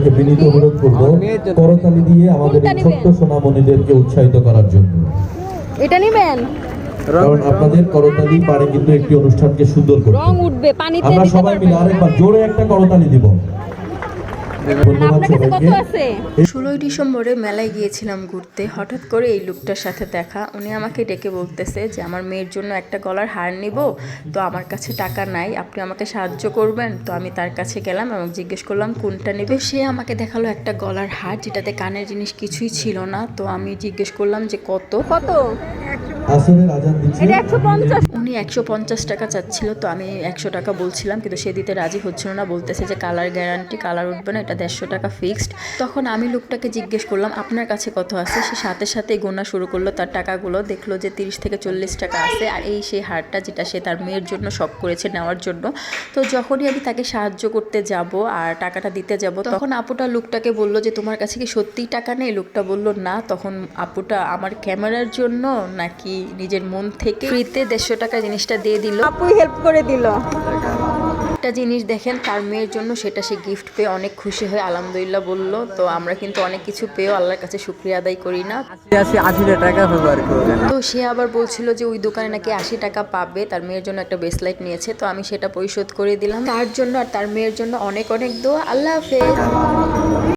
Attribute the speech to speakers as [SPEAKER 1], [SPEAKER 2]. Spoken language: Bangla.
[SPEAKER 1] বিনীত অনুরোধ করব করতালি দিয়ে আমাদের এই ছোট্ট সোনামণিদেরকে উৎসাহিত করার জন্য।
[SPEAKER 2] এটা নেবেন,
[SPEAKER 1] কারণ আপনাদের করতালি পারে কিন্তু একটি অনুষ্ঠানকে সুন্দর করতে।
[SPEAKER 2] রং উঠবে, পানিতে
[SPEAKER 1] আমরা
[SPEAKER 2] দিতে
[SPEAKER 1] সবাই মিলে আরেকবার জোরে একটা করতালি দিব।
[SPEAKER 2] আপনার কাছে কত আছে?
[SPEAKER 3] 16ই ডিসেম্বরে মেলায় গিয়েছিলাম ঘুরতে। হঠাৎ করে এই লোকটার সাথে দেখা। উনি আমাকে ডেকে বলতেছে যে আমার মেয়ের জন্য একটা গলার হার নিব, তো আমার কাছে টাকা নাই, আপনি আমাকে সাহায্য করবেন। তো আমি তার কাছে গেলাম এবং জিজ্ঞেস করলাম কোনটা নেবে। সে আমাকে দেখালো একটা গলার হার যেটাতে কানের জিনিস কিছুই ছিল না। তো আমি জিজ্ঞেস করলাম যে কত।
[SPEAKER 1] আসরের আজান দিচ্ছে।
[SPEAKER 2] এটা 150।
[SPEAKER 3] উনি 150 টাকা চাচ্ছিল, তো আমি 100 টাকা বলছিলাম, কিন্তু সে দিতে রাজি হচ্ছিল না। বলতেছে যে কালার গ্যারান্টি, কালার উঠবে না, এটা 150 টাকা ফিক্সড। তখন আমি লোকটাকে জিজ্ঞেস করলাম আপনার কাছে কত আছে। সে সাথে সাথে গোনা শুরু করলো তার টাকাগুলো। দেখলো যে 30 থেকে 40 টাকা আছে। আর এই সেই হারটা যেটা সে তার মেয়ের জন্য শখ করেছে নেওয়ার জন্য। তো যখনই আমি তাকে সাহায্য করতে যাব আর টাকাটা দিতে যাব, তখন আপুটা লোকটাকে বলল যে তোমার কাছে কি সত্যিই টাকা নেই? লোকটা বলল না। তখন আপুটা আমার ক্যামেরার জন্য নাকি নিজের মন থেকে ফ্রিতে 150 টাকা জিনিসটা দিয়ে দিল।
[SPEAKER 2] আপুই হেল্প করে দিল।
[SPEAKER 3] একটা জিনিস দেখেন, তার মেয়ের জন্য সেটা সে গিফট পেয়ে অনেক খুশি হয়ে আলহামদুলিল্লাহ বলল। তো আমরা কিন্তু অনেক কিছু পেয়েও আল্লাহর কাছে শুকরিয়া আদায় করি না।
[SPEAKER 4] 80 টাকা ব্যবহার করবেন।
[SPEAKER 3] তো সে আবার বলছিল যে ওই দোকানে নাকি 80 টাকা পাবে, তার মেয়ের জন্য একটা ব্রেসলাইট নিয়েছে। তো আমি সেটা পরিশোধ করে দিলাম তার জন্য আর তার মেয়ের জন্য। অনেক অনেক দোয়া। আল্লাহ হাফেজ।